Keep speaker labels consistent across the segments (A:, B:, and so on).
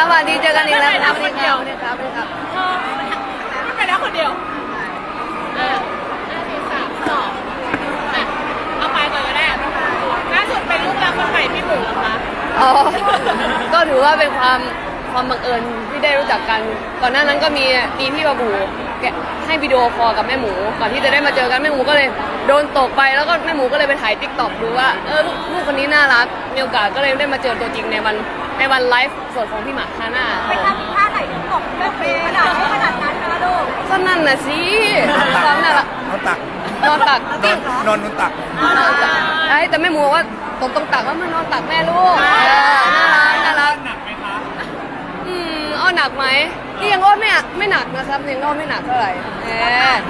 A: สวัสดีเจอกันอีกแล้วครับคนเดียวเนี่ยครับ
B: ไม่ไปแล้วคนเดียว5 4 3 2เอาไปก่อนก็ได้ล่าสุดเป็นลูกรักคนใหม่พี่หมูเหรอคะ
A: อ๋อก็ถือว่าเป็นความบังเอิญที่ได้รู้จักกันก่อนหน้านั้นก็มีพี่บาบูแกให้วิดีโอคอลกับแม่หมูก่อนที่จะได้มาเจอกันแม่หมูก็เลยโดนตกไปแล้วก็แม่หมูก็เลยไปถ่ายติ๊กต็อกดูว่าลูกคนนี้น่ารักมีโอกาสก็เลยได้มาเจอตัวจริงในวันไลฟ์สดของพี่หมากฮาน่า
B: ไปทำท่าไหนถึงตกไม่เป็นขนาดนั้นนะลูก
A: ก็นั่นน่ะสิความน่ารัก
C: นอนตัก
A: นอนตัก
C: นอนตัก
A: แต่แม่หมูว่าตรงตักว่ามันนอนตักแม่ลูกน่ารัก
C: หนักไหมคะ
A: อ้อหนักไหมนี่ยังอ้อไม่หนักนะครับยังอ้อไม่หนักเท่าไหร่
B: แม่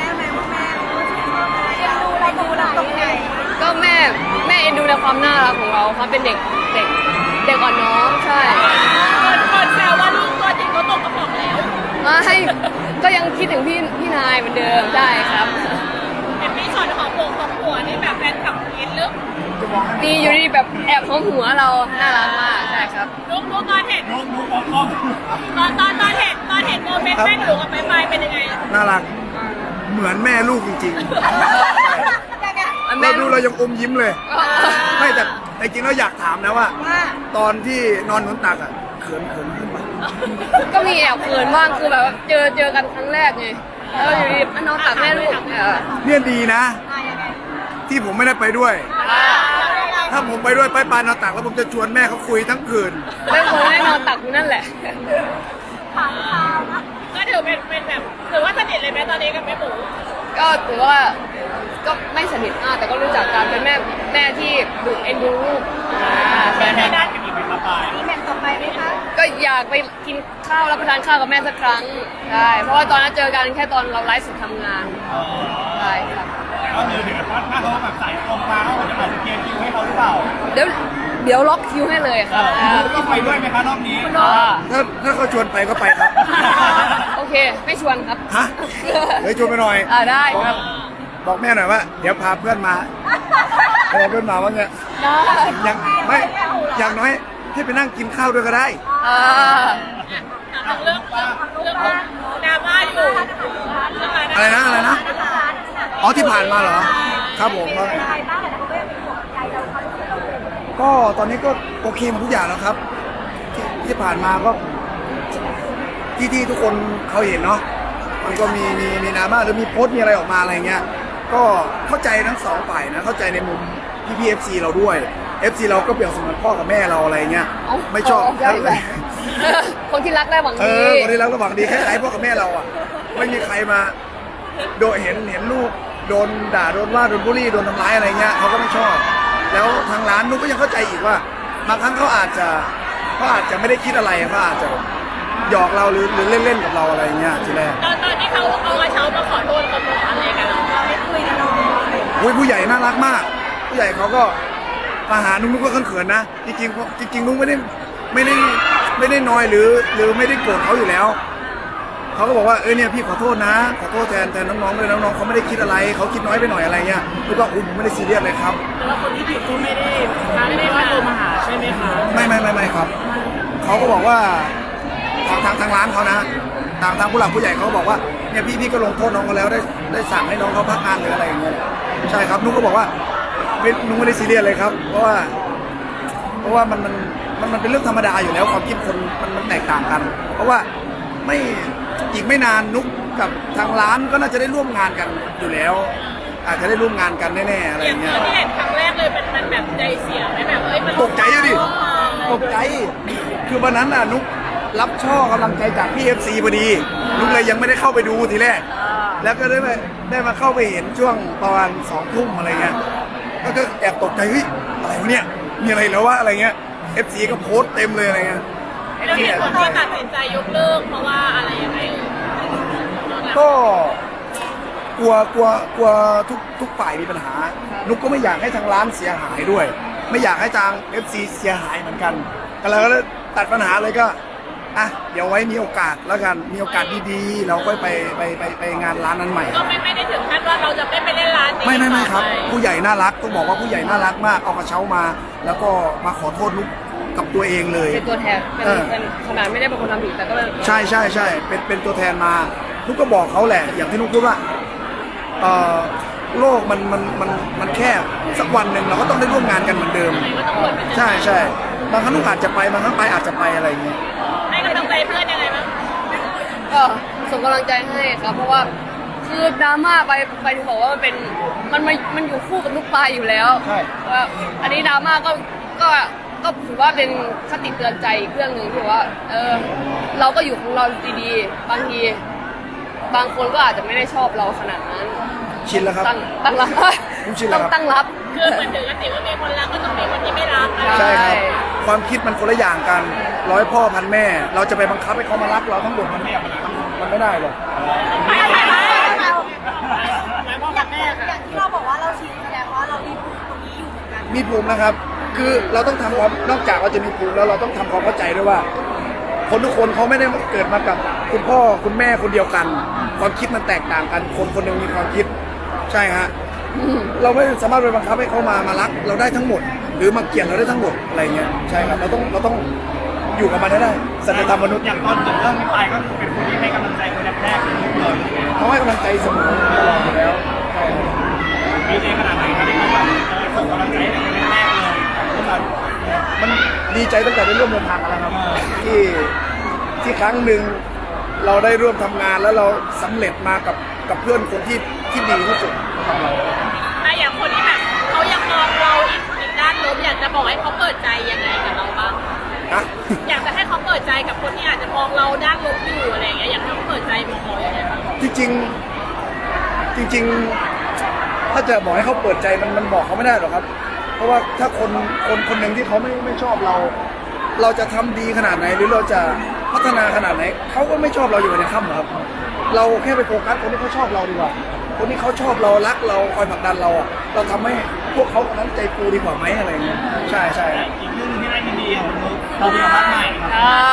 B: ดูอะไรตรงไหน
A: ก็แม่เอ็นดูในความน่ารักของเราความเป็นเด็กอ่อนน้อมใช่
B: คนแซวว่าลูกตัวจริงเขาตกกระป๋องแล้ว
A: ไม่ก็ยังคิดถึงพี่นายเหมือนเดิมได้ครับ
B: เห็นมีช็อตของหัวนี่แบบแฟนคลับกินลึก
A: ดีอยู่ดีแบบแอบของหัวเราน่ารักมากใช่ครับ
B: ลูกตอนเห็นตอนเห็นโมเมนต์แม่หนูกับไปเป็นยังไง
C: น่ารักเหมือนแม่ลูกจริงๆเราดูเรายังอมยิ้มเลยไม่แต่จริงๆเราอยากถามนะว่าตอนที่นอนบนตักอ่ะเขินขึ้นปะ
A: ก็มีแอบเขินบ้างคือแบบเจอกันครั้งแรกไงแล้วอยู่ดีนอนตักแม่ลูก
C: เนี่ยดีนะที่ผมไม่ได้ไปด้วยถ้าผมไปด้วยไปปานอนตักแล้วผมจะชวนแม่เขาคุยทั้งคืน
A: ไม่ควรให้นอนตักอยู่นั่นแหละ
B: ก็ถือเป็นแบบถือว่าสนิทเลยไหมตอนนี้กับแม่หมู
A: ก็ถือว่าก็ไม่สนิทมากแต่ก็รู้จักกันเป็นแม่ที่ดูเอ็นดูลูก
B: แม่ด้านกันอีกไหมครับมีแม่ต่อไปไหมคะ
A: ก็อยากไปกินข้าวรับประทานข้าวกับแม่สักครั้งใช่เพราะว่าตอนนั้นเจอกันแค่ตอนเราไลฟ์สดทำงานใช่ครับ
C: ก็คือถึงว่าถ้าเขาแบบใส่ตรงมาเขาจะอาจจะเคลียร์คิวให้เขาหรือเปล่า
A: เดี๋ยวล็อกคิวให้เลยครับ
C: ต้องไปด้วยไหมคะรอบนี้ถ้าเขาชวนไปก็ไปครับ
A: โอเคไม่ชวนครับ
C: ฮะเดี๋ยวชวนไปหน่อย
A: ได้ครับ
C: บอกแม่หน่อยว่าเดี๋ยวพาเพื่อนมาเพื่อนมาว่าไงยังไม่อย่างน้อยให้ไปนั่งกินข้าวด้วยก็ได้
B: เรื่องดราม่าอยู่
C: อะไรนะอ๋อที่ผ่านมาเหรอครับผมก็ตอนนี้ก็โอเคหมดทุกอย่างแล้วครับที่ผ่านมาก็ที่ทุกคนเขาเห็นเนาะมันก็มีดราม่าหรือมีโพสต์มีอะไรออกมาอะไรเงี้ยก็เข้าใจทั้งสองฝ่ายนะเข้าใจในมุมพี่ FC เราด้วย FC เราก็เปรียบเสมือนพ่อกับแม่เราอะไรเงี้ยไม่ชอบ
A: คนที่รักได้หวังดี
C: คนที่รักได้หวังดีคล้ายๆพ่อกับแม่เราอ่ะไม่มีใครมาโดนเห็นลูกโดนด่าโดนว่าโดนบูลลี่โดนทำร้ายอะไรเงี้ยเขาก็ไม่ชอบแล้วทางร้านนุ๊กก็ยังเข้าใจอีกว่าบางครั้งเขาอาจจะไม่ได้คิดอะไรเขาอาจจะหยอกเราหรือเล่นๆกับเราอะไรเงี้ยทีแรก
B: ตอนที่เขาเอากระเช้ามาขอโทษเขาบอกอะไรกันเราไม่คุยกัน
C: เลยผู้ใหญ่น่ารักมากผู้ใหญ่เขาก็มาหานุ๊กก็เขินๆนะจริงนุ๊กไม่ได้น้อยหรือไม่ได้โกรธเขาอยู่แล้วเขาก็บอกว่าเนี่ยพี่ขอโทษนะขอโทษแทนน้องๆด้วยน้องๆเขาไม่ได้คิดอะไรเขาคิดน้อยไปหน่อยอะไรเงี้ยนุ๊กก็ผมไม่ได้ซีเรียสเลยครับ
B: แต่ว่าคนที่ผิดก็ไม่ได้ว่าโทรมาหาใช่ไหมคะ
C: ไม่ครับเขาก็บอกว่าทางร้านเขานะทางผู้หลักผู้ใหญ่เขาบอกว่าเนี่ยพี่ก็ลงโทษน้องเขาแล้วได้สั่งให้น้องเขาพักงานหรืออะไรอย่างเงี้ยใช่ครับนุ๊กก็บอกว่านุ๊กไม่ได้ซีเรียสเลยครับเพราะว่ามันเป็นเรื่องธรรมดาอยู่แล้วความคิดคนมันแตกต่างกันเพราะว่าอีกไม่นานนุ๊กกับทางร้านก็น่าจะได้ร่วมงานกันอยู่แล้วอาจจะได้ร่วมงานกันแน่ๆอะไรอย่างเงี้ย
B: ที่เห็นครั้งแรกเลยมันแบบใจเสียไหมแบบมัน
C: ตกใจดิตกใจคือวันนั้นน่ะนุ๊กรับช่อกำลังใจจากพี่ FC พอดีนุ๊กเลยยังไม่ได้เข้าไปดูทีแรกแล้วก็ได้มาเข้าไปเห็นช่วงประมาณ2 ทุ่มอะไรเงี้ยก็แอบตกใจเฮ้ยอะไรวะเนี่ยมีอะไรแล้ววะอะไรเงี้ย FC ก็โพสต์เต็มเลยอะไรเงี้ย
B: แล้วเห็นคนที่ตัดสินใจยกเลิกเพราะว่าอะไรยังไง
C: ก็กลัวทุกฝ่ายมีปัญหานุ๊กก็ไม่อยากให้ทางร้านเสียหายด้วยไม่อยากให้ทาง FC เสียหายเหมือนกันก็เลยตัดปัญหาเลยก็เดี๋ยวไว้มีโอกาสแล้วกันมีโอกาสดีๆเราค่อยไปงานร้านนั้นใหม่
B: ก็ไม่ได้ถึงขั้นว่าเราจะไปเล่นร้านนี้
C: ไม่ครับผู้ใหญ่น่ารักต้องบอกว่าผู้ใหญ่น่ารักมากเอากระเช้ามาแล้วก็มาขอโทษนุ๊กกับตัวเองเลย
A: เป็นตัวแทนเป็นขนาดไม่ได้เป็นคนทำผิดแต่ก็เป็น
C: ใช่ใช่ใช่เป็นตัวแทนมานุกก็บอกเขาแหละ อย่างที่นุกพูดว่าโลกมันแคบสักวันหนึ่งเราก็ต้องได้ร่วมงานกันเหมือนเดิม
B: ก็ต้องวนไปเจอ
C: ใช่ใช่บางครั้งนุกอาจจะไปบางครั้งไปอาจจะไปอะไรอย่างเงี้ย
B: ให้กำลังใจเพื่อนยังไงบ้าง
A: ก็ส่งกำลังใจให้ครับเพราะว่าคือดราม่าไปถึงบอกว่ามันอยู่คู่กับลูกปลายอยู่แล้ว
C: ใช่
A: ว่าอันนี้ดราม่าก็ถือว่าเป็นคติเตือนใจอีกเรื่องหนึ่งที่ว่าเราก็อยู่ของเราดีๆบางทีบางคนก็อาจจะไม่ได้ชอบเราขนาดนั้น
C: ชินแล้วครับ
A: ตั้งรับ
C: ผมชินแล้วครับ
A: ต้องตั้งรับ
B: คือเหมือนถึงกันติว่ามีคนรักก็ต้องมีคนที่ไม่รักนะ
C: ใช่ครับความคิดมันคนละอย่างกันร้อยพ่อพันแม่ เราจะไปบังคับให้เขามารักเราทั้งหมดมันไม่ได้หรอก
B: อย่างที่เราบอกว่าเราชินแสดงว่าเรามีภูมิตรงนี้อยู่เหมือนกัน
C: มีภูมินะครับ คือเราต้องทำความนอกจากเราจะมีภูมิแล้วเราต้องทำความเข้าใจด้วยว่า คนทุกคนเขาไม่ได้เกิดมากับคุณพ่อคุณแม่คนเดียวกัน ความคิดมันแตกต่างกันคนคนหนึ่งมีความคิดใช่ฮะเราไม่สามารถไปบังคับให้เขามารักเราได้ทั้งหมด หรือมาเกลียดเราได้ทั้งหมดอะไรเงี้ยใช่ครับเราต้องอยู่กับมันให้ได้สัจธรรมมนุษย์
D: อย่างตอนเกิดเรื่องนี้ไปก็คือเป็นคนที่ให้กำลังใจคนแรกๆเลยเลย
C: เขาให้กำลังใจเสมอตลอดอยู่แล้วใช่ครับ
D: มีใจขนาดไหนครับที่เขาแบบส่งกำลังใจให้คนแรกๆเลย
C: มันดีใจตั้งแต่ได้ร่วมเดินทางกันแล้วครับที่ครั้งหนึ่งเราได้ร่วมทำงานแล้วเราสำเร็จมากับเพื่อนคนที่ดีที่สุดของเรา
B: ถ้าอย่างคนที่แบบเขายังมองเราอีกด้านลบอยากจะบอกให้เขาเปิดใจยังไงกับเราบ้าง
C: นะ
B: อยากจะให้เขาเปิดใจกับคนที่อาจจะมองเราด้านลบอยู่อะไรอย่างเงี้ยอยากให้เขาเปิดใจมองเรายังไงบ้าง
C: จริงถ้าจะบอกให้เขาเปิดใจมันบอกเขาไม่ได้หรอกครับ เพราะว่าถ้าคนหนึ่งที่เขาไม่ชอบเรา เราจะทำดีขนาดไหนหรือเราจะพัฒนาขนาดไหนเขาก็ไม่ชอบเราอยู่ในค่ำหรอกครับ เราแค่ไปโฟกัสคนที่เขาชอบเราดีกว่า คนที่เขาชอบเรารักเราคอยผลักดันเราเราทำให้พวกเขาคนนั้นใจฟูดีกว่าไหมอะไรอย่างเงี้ยใช่ใช่
D: อีกเรื่องนึงที่ได้ยินดีของนุ๊กเรามีรักใหม่ครับ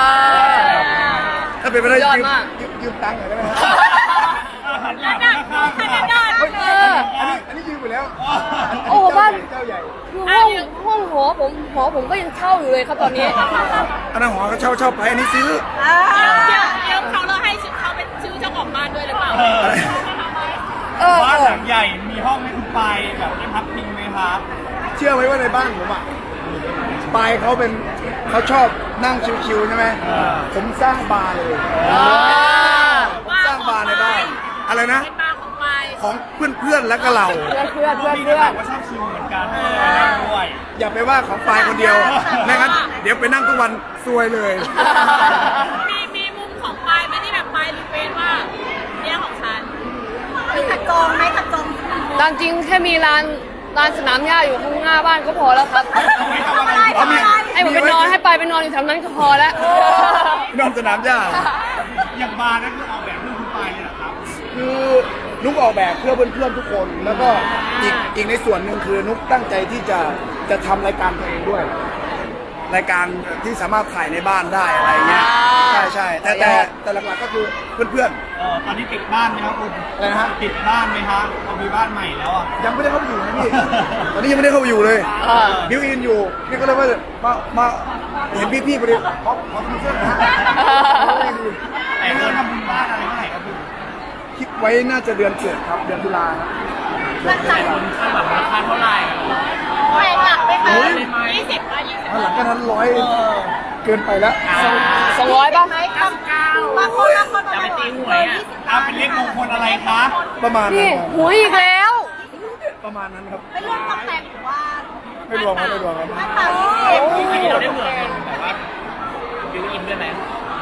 C: ถ้าเป็นไปได้
A: ยอดมาก
C: ยืมตังค์หน่อยได้ไหมครับ
B: ระดับขนาดนั้น
C: อันนี้ยืมไปแล้ว
A: โอ้บ้าน
C: เจ้าใหญ่
A: คือห้องหอผมก็ยังเช่าอยู่เลยครับตอนนี้
C: อันนั้นหอเขาเช่าไปอันนี้ซื้อ
B: เดี๋ยวเขาเราให้เขาเป็นชื่อเจ้าของบ้านด้วยหรือเปล่า
D: บ้านหลังใหญ่มีห้องให้คุณไปแบบได้พักพิงไหมครับ
C: เชื่อไหมว่าในบ้านผมปายเขาชอบนั่งชิวๆใช่ไหมผมสร้างบาร์เลยผมสร้างบาร์ในบ้านอะไรนะ
B: เป็นบ้านของไป
C: ของเพื่อนๆและก็เรา
A: เพื่อน
D: พี่ก็บอกว่าชอบชิลเหมือนกันนั่งด้วย
C: อย่าไปว่าของปายคนเดียวไม่งั้นเดี๋ยวไปนั่งทุกวันซวยเลย
B: มีมุมของปลายไหมที่แบบปลายรีเควสว่าเนี่ยของฉันมีขัดกองไหมขัดกอง
A: ตามจริงแค่มีลานสนามหญ้าอยู่ข้างหน้าบ้านก็พอแล้วครับ ให้ผมไปนอนให้ไปนอนอยู่แถวนั้นก็พอแล้ว
C: นอนสนามหญ้า
D: อย่างบาร์นั่นคือออกแบบเรื่องคุณไปเนี่ยเหรอครับ
C: คือนุกออกแบบเพื่อเพื่อนๆทุกคน แล้วก็อีกในส่วนหนึ่งคือนุกตั้งใจที่จะทำรายการตัวเองด้วย รายการที่สามารถถ่ายในบ้านได้อะไรเงี้ยใช่แต่หลักๆก็คือเพื่อน
D: ตอนนี้ติดบ้านไหมครับคุณ
C: ๆอะไรนะฮะ
D: ติดบ้านไหมครับเรามีบ้านใหม่แล้วอ่ะ
C: ยังไม่ได้เข้าไปอยู่นะพี่ ตอนนี้ยังไม่ได้เข้าไปอยู่เลยบิวอินอยู่นี่ก็เลยว่ามาเห็นพี่ๆพอดีขอทำเสื้อนะฮะ
D: แต่เงินทำบุญบ้านอะไรเมื่อไหร่ครับคุณ
C: คิดไว้น่าจะเดือนเกิดครับเดือนตุลาครับ
B: มันหลัง
D: คนคาดหวังราคาเท่าไหร่
B: แพงหลักไหมคะ20ป่ะ
C: หลังจากนั้นเกินไปแล้ว
A: 200ป่ะ
B: บางคนบอก
D: จะไปตีหวยอ่ะเอาเป็นเลขมงคลอะไรคะ
C: ประมาณนั้
A: นี่
C: น
A: หวยอีกแล้ว
C: ประมาณนั้นครับ
B: เป็นเรื่องตำแหน่งหรือว่า
C: ไม่รวมครับ
B: หน้าตา
D: อันนี้เราได้เผื่อเป็นแบบว่าบิวอินด้วยไหม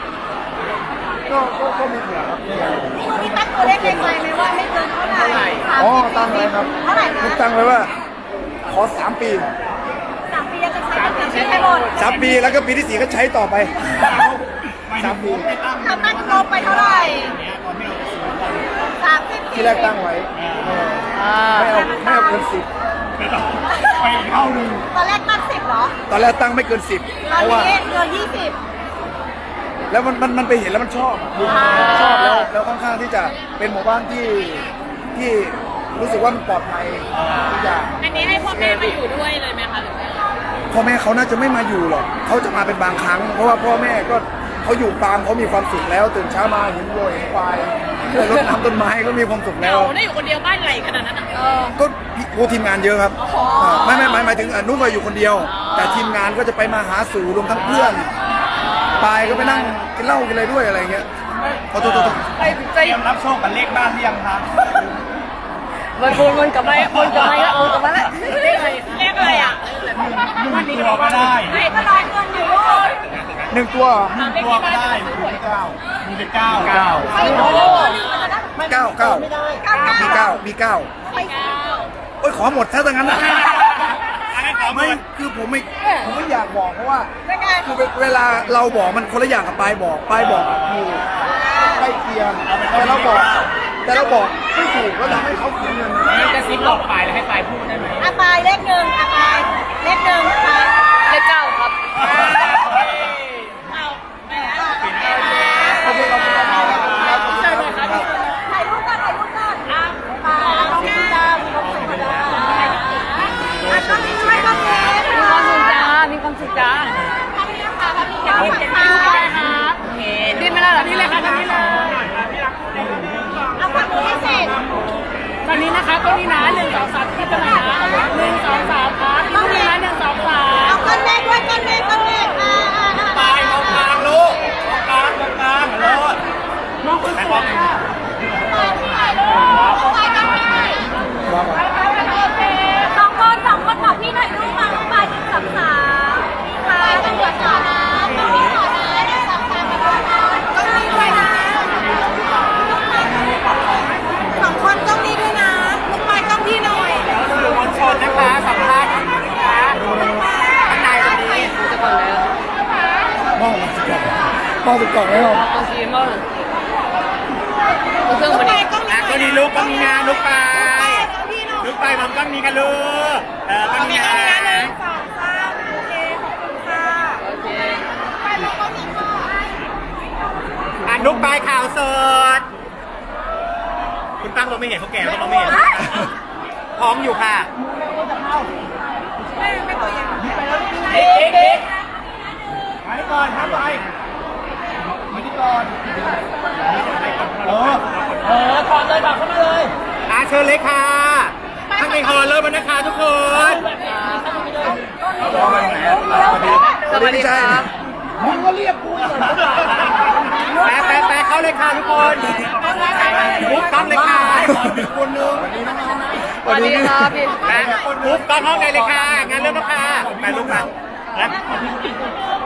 C: ก็มีเผื่อครับ
B: มีตั้งตัวเลขในใจไหมว่าไม่เกินเท่าไหร่
C: อ๋อตั้งไว้ครับ
B: เท่าไหร่นะ
C: ผมตั้งไว้ว่า ขอ3 ปี
B: 3 ปีจะใช้ตั้งใช้ไปหมด
C: 3 ปีแล้วก็ปีที่4ก็ใช้ต่อไป 3 ปี
B: ทำตั้งงบไปเท่าไหร่30
C: ที่แรกตั้งไว้ไม่เอาเกิน10
D: ไปอีกเท่านึง
B: ตอนแรกตั้ง10เหรอ
C: ตอนแรกตั้งไม่เกิน10
B: ต
C: เพ
B: อน
C: ราะว่า
B: นี้เกิน20
C: แล้วมันไปเห็นแล้วมันชอบชอบแล้วค่อนข้างที่จะเป็นหมู่บ้านที่รู้สึกว่ามันปลอดภัยทุกอย่าง
B: อันนี้ให้พ่อแม่มาอยู่ด้วยเลยไหมคะหรือว่า
C: คพ่อแม่เขาน่าจะไม่มาอยู่หรอกเขาจะมาเป็นบางครั้ง เพราะว่าพ่อแม่ก็เขาอยู่ฟาร์มเขามีความสุขแล้วตื่นเช้ามาเห็นวัวเห็นควายรดน้ำต้นไม้ก็มีความสุข
B: เห
C: แล้
B: งาว ได้อยู่คนเดียวบ้านใหญ่ขนาดนั้นอ่ะ
C: ก็ทีมงานเยอะครับไม่หมายถึงนุ๊กก็อยู่คนเดียว แต่ทีมงานก็จะไปมาหาสู่รวมทั้งเพื่อนปายก็ไปนั่งกินเหล้ากินอะไรด้วยอะไรเงี้ยขอโทษ
A: ใจ
D: เตรียมรับโชคกับเลขบ้านหรือยังคะ
A: วนกลับมาแล้ววนกลับมาแล้ววนกลับมาแล้ว
B: เรียกอะไรอ่ะ
D: มันตัวก็ได้
B: เฮ้ยก็ร้อยเงินอยู่ด้วย
C: หนึ่งตัว
D: ตัวก็ได้มีแต่เก้า
B: ไม่รู้
C: เก้ามีเก้าโอ้ยขอหมดถ้าอย่างนั้นนะ
D: อันนั้นขอหม
C: ไม่
D: ด
C: คือผมไม่อยากบอกเพราะว่าคือเวลาเราบอกมันคนละอย่างกับปายบอกอยู่ใกล้เคียงแต่เราบอกไม่ถูกก็ทำให้เขาเสียเงิน
D: มันจะซิปหลอกไปแล้วให้ไปพูดได้ไหม
B: อาปายเลขหนึ่งอาปายเลขหนึ่งอาปาย
A: เลข 9 ครับ
B: เอาไปแล้ว
C: ขอบคุณครับ
B: ถ่ายรูปก่อนอ่ะปายแล้วน้องพี่ดาวมีความสุขจ้าอ่ะก็มีช่วยก็มี
A: มีความสุขจ้ามีความสุขจ้า
B: ทำนี่ค่ะทำนี่ค่ะทำนี่ค่ะ
A: ดิ้นไม่ได้หรอนี่เลยค่ะนี่เลย
B: เอาความรู้ให้เสร็จ
A: ตอนนี้นะคะก็นี่นะ1 2 3ที่จะมา1 2 3ครับต้องมีนะ1 2 3
B: เอาก้อนเมฆด้วยก้อนเมฆ
D: ไปตรงกลางลูกตรงกลางรถมองคนสวย
B: สองคนขอพี่ถ่ายรูปมาไป1 2 3ค่ะต้องเดือดต่อนะต้องมีต่อนะ1 2 3ต้องมีด้วยนะสองคนต้องมีด้วยนะลูกไปต้องพี่หน่อย
D: สื่อมวลชนนะคะสัมภาษณ์นะคะข้างในวันนี้
A: จะก่อนแล้ว
C: มองสุดกล่องแล้ว
A: บางทีมากเครื่องมันนี่
D: ก็ดีลูกก็มีงานลูกไปลูกไปมันก็มีกันลูกก็มีงาน
A: โอเค
D: ลูกไปข่าวสดคุณตั้งเราไม่เห็นเขาแก่เราไม่เห็นท้องอยู่ค่ะเด็กไปก่อนครับไปมาที่ก่อนถอดเลยบอกเข้ามาเลยเชิญเลยค่ะข้างในฮอลเริ่มแล้วนะคะทุกคน
A: สวัสดีครับ
C: มึงก็เรียกกู
D: ไปเข้าเลยค่ะทุกคนมุกต้องเลยค่ะ
C: คนนึง
A: สวัสดีครับพี่
D: มุกต้องห้องเลยค่ะงานเริ่มแล้วค่ะไปลูกมา